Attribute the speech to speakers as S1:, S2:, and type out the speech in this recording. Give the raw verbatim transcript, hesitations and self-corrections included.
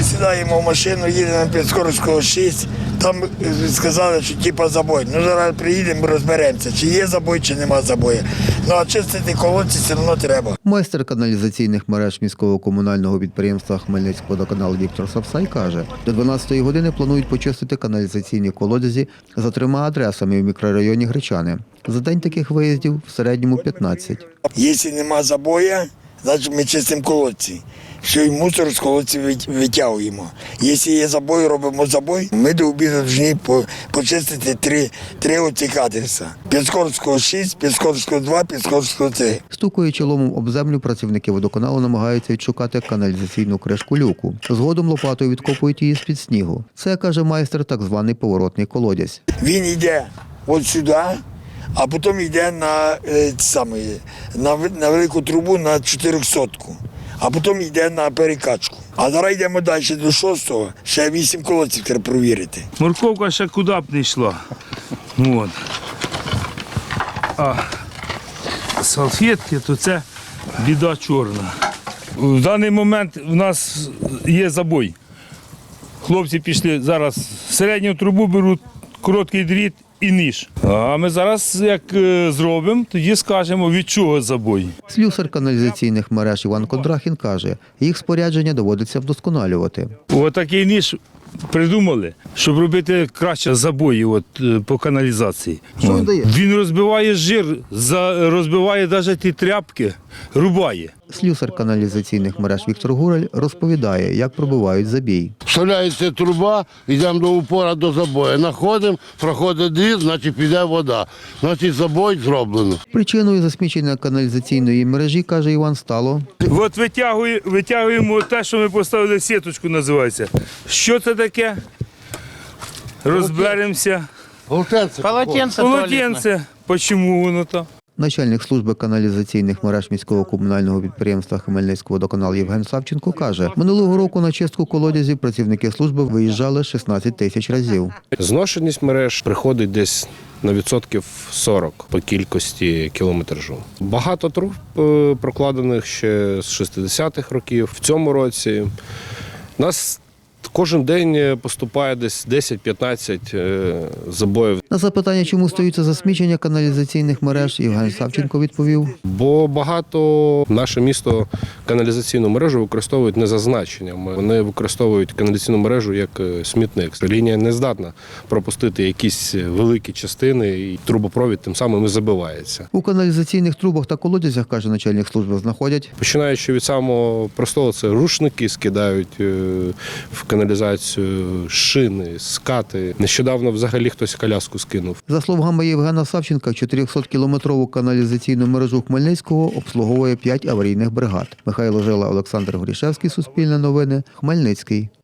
S1: Ми сідаємо в машину, їдемо на Підскорського шість, там сказали, що типа забой. Ну зараз приїдемо, розберемося, чи є забой, чи нема забою. Ну а чистити колодці все одно треба.
S2: Майстер каналізаційних мереж міського комунального підприємства Хмельницькводоканал Віктор Сапсай каже, до дванадцятої години планують почистити каналізаційні колодязі за трьома адресами в мікрорайоні Гречани. За день таких виїздів в середньому п'ятнадцять.
S1: Якщо нема забою, значить ми чистимо колодці. Все, і мусор з колодців витягуємо. Якщо є забой, робимо забой. Ми до обіду повинні почистити три, три оцих адреса. Підскорського шість, Підскорського два, Підскорського три.
S2: Стукаючи ломом об землю, працівники водоканалу намагаються відшукати каналізаційну кришку люку. Згодом лопатою відкопують її з-під снігу. Це, каже майстер, так званий поворотний колодязь.
S1: Він йде от сюди, а потім йде на, е, саме, на, на велику трубу на чотирьохсотку. А потім йде на перекачку. А зараз йдемо далі до шостого, ще вісім колодців треба провірити.
S3: Морковка ще куди б не йшла. От. А салфетки, то це біда чорна. В даний момент в нас є забой. Хлопці пішли зараз середню трубу беруть, короткий дріт і ніж. А ми зараз, як зробимо, тоді скажемо, від чого забой.
S2: Слюсар каналізаційних мереж Іван Кондрахін каже, їх спорядження доводиться вдосконалювати.
S3: Отакий ніж придумали, щоб робити краще забої от, по каналізації.
S2: Що він дає?
S3: Він розбиває жир, за, розбиває навіть ті тряпки, рубає.
S2: Слюсар каналізаційних мереж Віктор Гураль розповідає, як пробивають забій.
S4: Вставляється труба, йдемо до упора до забою. Находимо, проходить дріт, значить піде вода. Значить забой зроблено.
S2: Причиною засмічення каналізаційної мережі, каже Іван, стало
S3: От витягуємо, витягуємо те, що ми поставили, сіточку називається. Що це таке? Розберемося.
S4: Полотенце.
S5: Полотенце.
S3: Полотенце. Чому воно там?
S2: начальник служби каналізаційних мереж міського комунального підприємства Хмельницькводоканал Євген Савченко каже, минулого року на чистку колодязів працівники служби виїжджали шістнадцять тисяч разів.
S6: Зношеність мереж приходить десь на відсотків сорок по кількості кілометражу. Багато труб прокладених ще з шістдесятих років. В цьому році у нас кожен день поступає десь десять-п'ятнадцять забоїв.
S2: На запитання, чому стаються засмічення каналізаційних мереж, Євген Савченко відповів.
S6: Бо багато наше місто каналізаційну мережу використовують не за значенням. Вони використовують каналізаційну мережу як смітник. Лінія не здатна пропустити якісь великі частини і трубопровід тим самим і забивається.
S2: У каналізаційних трубах та колодязях, каже начальник служби, знаходять.
S6: Починаючи від самого простого, це рушники скидають в каналізацію, шини, скати. Нещодавно взагалі хтось коляску скинув.
S2: За словами Євгена Савченка, чотирьохсоткілометрову каналізаційну мережу Хмельницького обслуговує п'ять аварійних бригад. Михайло Жила, Олександр Горішевський, Суспільне новини, Хмельницький.